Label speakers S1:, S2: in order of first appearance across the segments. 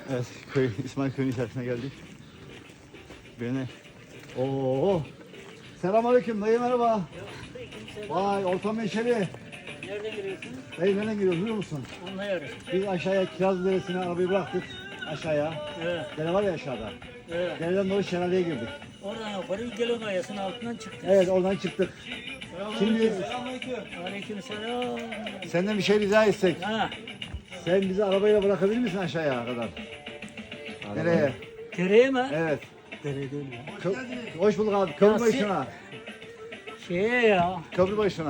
S1: Evet, İsmail Köyü'nün içerisine geldik. Beni... Oo. Selamünaleyküm dayı, merhaba. Vay, ortam meşeli.
S2: Nereden giriyorsunuz?
S1: Dayı nereden giriyoruz biliyor musun?
S2: Anlıyorum.
S1: Biz aşağıya Kiraz Deresi'ne arabayı bıraktık. Aşağıya.
S2: Evet.
S1: Dere var ya aşağıda.
S2: Evet.
S1: Dereden doğru şelaleye girdik.
S2: Oradan yukarı Gelin Kayası'nın altından çıktık.
S1: Evet, oradan çıktık. Şimdi
S2: Aleykümselam.
S1: senden bir şey rica etsek.
S2: Ha.
S1: Sen bizi arabayla bırakabilir misin aşağıya kadar? Nereye?
S2: Dereye mi?
S1: Evet.
S2: Dere değil ya.
S1: Hoş bulduk abi. Köprü
S2: Ya,
S1: başına.
S2: Şeye ya.
S1: Köprü başına.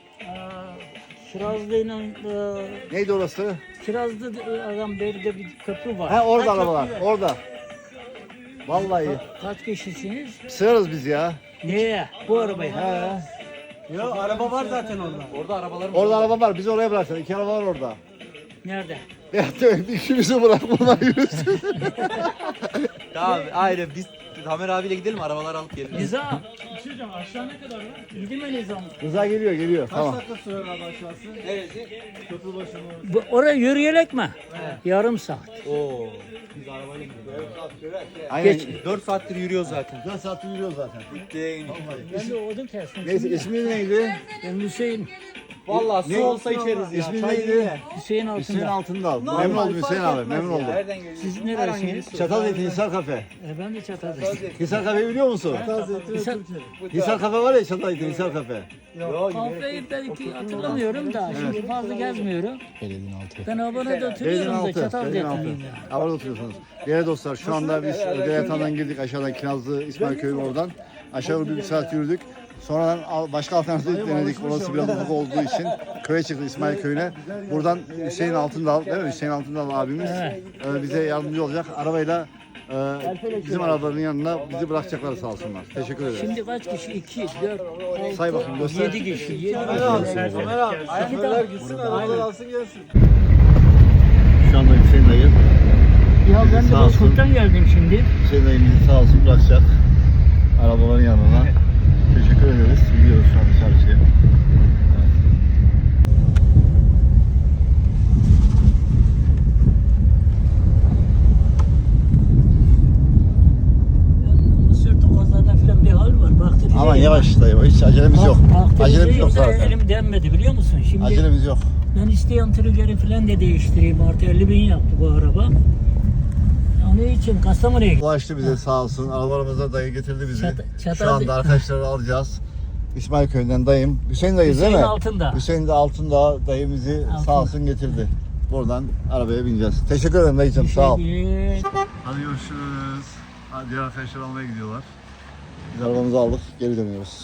S2: Kirazlı'yla
S1: Neydi orası?
S2: Kirazlı adam beride bir köprü var.
S1: Ha, orada
S2: Ha,
S1: arabalar.
S2: köprü.
S1: Orada. Vallahi.
S2: Kaç kişisiniz?
S1: Sığarız biz ya.
S2: Neye? Bu arabaya.
S1: He.
S3: Yok araba var zaten orada. Orada arabalar var.
S1: Orada araba var. Bizi oraya bıraksana. 2 araba var orada.
S2: Nerede?
S1: Ya ikimizi bırak, bunlar yürüsün.
S3: Tamam ayrı biz Tamer abiyle gidelim arabalar alıp gelelim.
S2: Nizam. Bir şey diyeceğim, aşağı ne kadar lan? Gidin mi Nizam?
S1: Rıza geliyor. Tamam.
S3: dakika sürer abi aşağısı? Neresi? Köprü başına.
S2: Oraya yürüyerek mi? Yarım saat.
S3: Oo. Biz arabayla gidiyoruz.
S1: Aynen.
S2: Geç.
S3: 4 saattir yürüyoruz zaten.
S1: 4 saat yürüyoruz zaten.
S2: Ben de odun kestim.
S1: Neyse, ismi neydi?
S2: Ben Hüseyin.
S3: Vallahi su
S1: Ne?
S3: olsa içeriz ya.
S1: İsmi
S3: Çay
S1: neydi?
S3: değil de.
S2: Hüseyin
S1: Hüseyin
S2: altında.
S1: Altındal. Memnun oldum Hüseyin abi. Memnun oldum.
S3: Nereden geliyorsun?
S2: Siz neresiniz?
S1: Çatalzeytin Hisar Kafe.
S2: Ben de Çatal'dayım.
S1: Hisar Kafe'yi biliyor musun?
S2: Hisar
S1: Hisar Kafe var ya, Çatalzeytin Hisar Kafe.
S3: Yok.
S2: Kafeyi belki hatırlamıyorum da şimdi fazla gezmiyorum. Ben abone de oturuyorum
S1: Belediyenin
S2: da
S1: altı. Belediyenin altı.
S2: Çatal'dayım ya.
S1: Orada oturuyorsunuz. Değerli dostlar, şu anda biz Deretan'dan girdik aşağıdan Kinazlı İsmail Köyü oradan. Aşağı doğru bir saat yürüdük. Sonradan başka alternatif denedik. Orası biraz ufak olduğu için köye çıktık, İsmail Köyü'ne. Buradan Hüseyin Altındal, değil mi? Hüseyin Altındal abimiz bize yardımcı olacak. Arabayla bizim arabaların yanına bizi bırakacaklar, sağ olsunlar. Teşekkür ederim.
S2: Şimdi kaç kişi? 2, 4, 6,
S1: Say bakayım, göster.
S2: 7 kişi. 7 kişi.
S3: Ayakkabılar gitsin arabalar alsın gelsin.
S1: Şu anda Hüseyin dayı,
S2: Ya ben de
S1: Sağ olsun.
S2: Bozkurt'tan geldim şimdi.
S1: Hüseyin dayı bizi sağ olsun bırakacak arabaların yanına. Teşekkür ederiz. Gidiyoruz şu an çarşıya.
S2: Mısır Tokazlar'da falan bir hal var. Baktıracağım.
S1: Aman yavaş dayı, hiç acelemiz yok. Acelemiz yok zaten.
S2: Elim denmedi biliyor musun? Şimdi
S1: Acelemiz yok.
S2: ben isteyen trigger'i falan da değiştireyim. Artı 50.000 yaptı bu araba. Onun için Kastamonu'ya gittim.
S1: Ulaştı bize sağ olsun. Arabalarımıza dayı getirdi bizi.
S2: Çatal-
S1: Şu anda arkadaşları alacağız. İsmail Köyü'nden dayım. Hüseyin dayı değil mi?
S2: Hüseyin Altındağ.
S1: Hüseyin de Altındağ dayı bizi sağ olsun getirdi. Buradan arabaya bineceğiz. Teşekkür ederim dayıcım, sağ ol. Hadi görüşürüz. Hadi diğer arkadaşlar almaya gidiyorlar. Biz arabamızı aldık, geri dönüyoruz.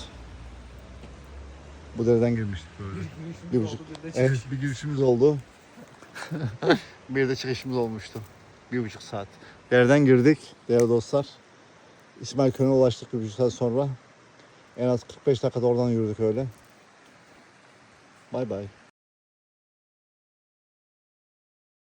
S1: Bu dereden girmiştik böyle. 1,5. Evet, bir girişimiz oldu. Bir de çıkışımız olmuştu. 1,5 saat. Dereden girdik değerli dostlar. İsmail Köyü'ne ulaştık 1,5 saat sonra. En az 45 dakikada oradan yürüdük öyle. Bay bay.